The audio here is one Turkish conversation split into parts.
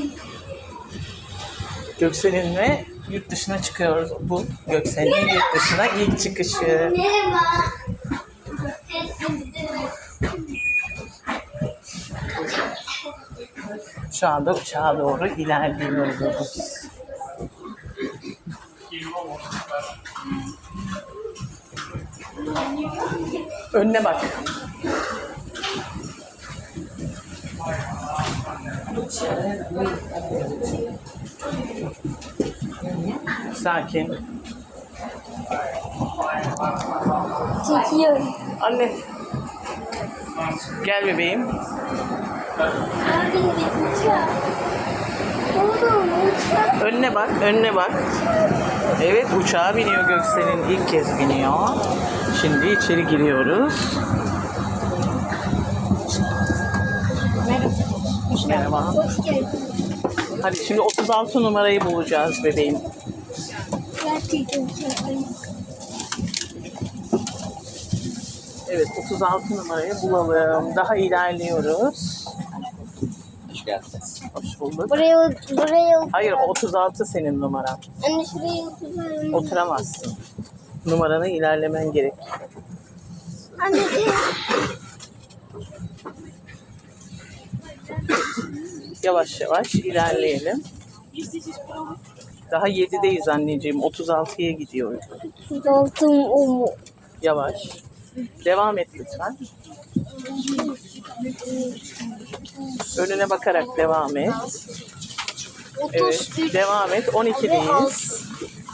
Gökselin'le yurt dışına çıkıyoruz. Bu Gökselin'in yurt dışına ilk çıkışı. Şu anda uçağa doğru ilerliyoruz. Önüne bak. Sakin. Çekiyorum. Anne. Gel bebeğim. Abi uçak. Oğlum uçak. Önüne bak, önüne bak. Evet, uçağa biniyor Göksel'in. İlk kez biniyor. Şimdi içeri giriyoruz. Merhaba. Hoş geldin. Hadi şimdi 36 numarayı bulacağız bebeğim. Gerçekten uçaktayız. Evet, 36 numarayı bulalım. Daha ilerliyoruz. Hoş geldiniz. Hoş bulduk. Buraya. Hayır, 36 senin numaran. Anne şuraya oturalım. Oturamazsın. Numaranı ilerlemen gerek. Anneciğim. Yavaş yavaş ilerleyelim. Daha 7'deyiz anneciğim. 36'ya gidiyoruz. Altın o mu? Yavaş. Devam et lütfen. Önüne bakarak devam et. Evet, devam et. 12'deyiz.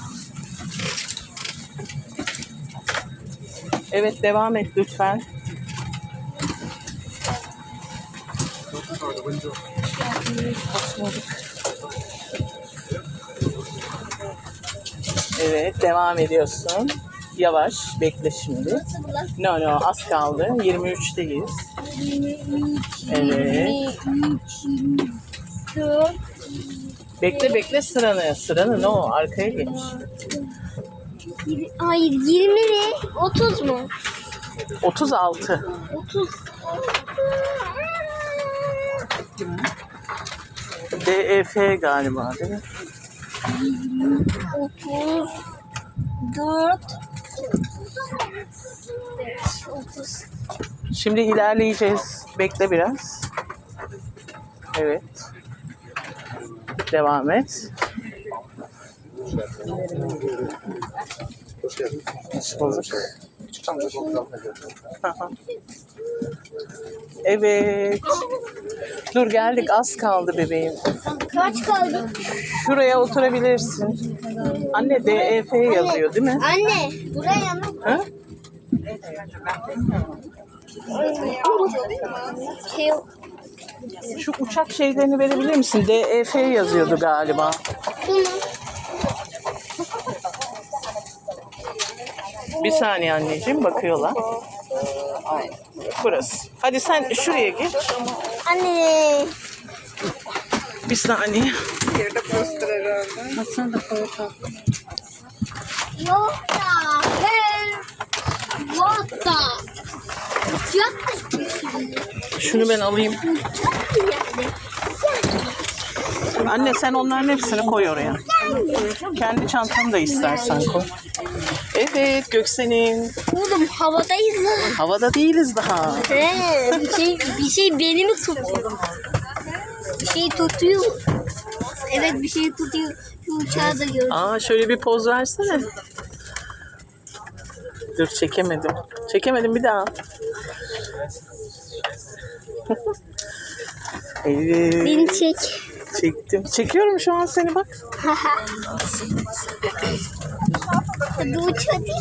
Evet, devam et lütfen. Evet, devam ediyorsun. Yavaş, bekle şimdi. No, az kaldı. 23'teyiz. 23, Evet. 4, Bekle sıranı. Sıranı no, arkaya geç. hayır 20 mi? 30 mu? 36. 30. DEF galiba değil mi? 34. 30. Şimdi ilerleyeceğiz. Bekle biraz. Evet. Devam et. Hoş geldin. Hoş bulduk. Küçük amca fotoğrafına geldim. Evet. Dur geldik, az kaldı bebeğim. Kaç kaldı? Şuraya oturabilirsin. Anne DEF yazıyor değil mi? Anne buraya mı? Ha? Şey, Şu uçak şeylerini verebilir misin? DEF yazıyordu galiba. bunu. Bir saniye anneciğim, bakıyorlar. Burası. Hadi sen şuraya geç. Anne. Bir saniye. Yok da. Yok da. Yok da. Şunu ben alayım. Anne sen onların hepsini koy oraya. Kendi çantanı da istersen koy. Evet Göksel'in. Oğlum havadayız lan. Havada değiliz daha. Bir şey beni mi tutuyor? Bir şey tutuyor. Evet bir şey tutuyor. Şu uçağı da gördüm. Aa şöyle bir poz versene. Dur çekemedim. Çekemedim bir daha. Evet. Beni çek. Çektim. Çekiyorum şu an seni bak. Hadi uç hadi.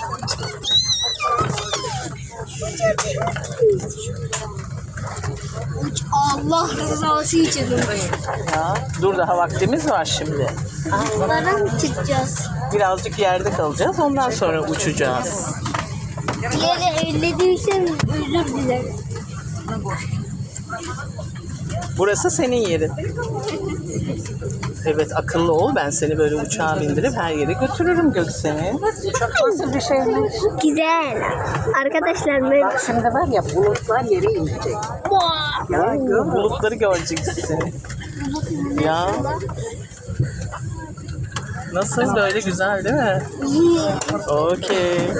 Uç Allah rızası için. Ya dur daha vaktimiz var şimdi. Allah'a mı çıkacağız? Birazcık yerde kalacağız. Ondan sonra uçacağız. Bir yere ellediysem özür dilerim. Burası senin yerin. Evet, akıllı ol. Ben seni böyle uçağa bindirip her yere götürürüm Göksel'in. Uçak nasıl bir şeymiş? Güzel. Arkadaşlar ben... Bak şimdi var ya bulutlar yere inecek. Ya gör. Bulutları göreceksin. Ya. Nasıl, böyle güzel değil mi? Okey.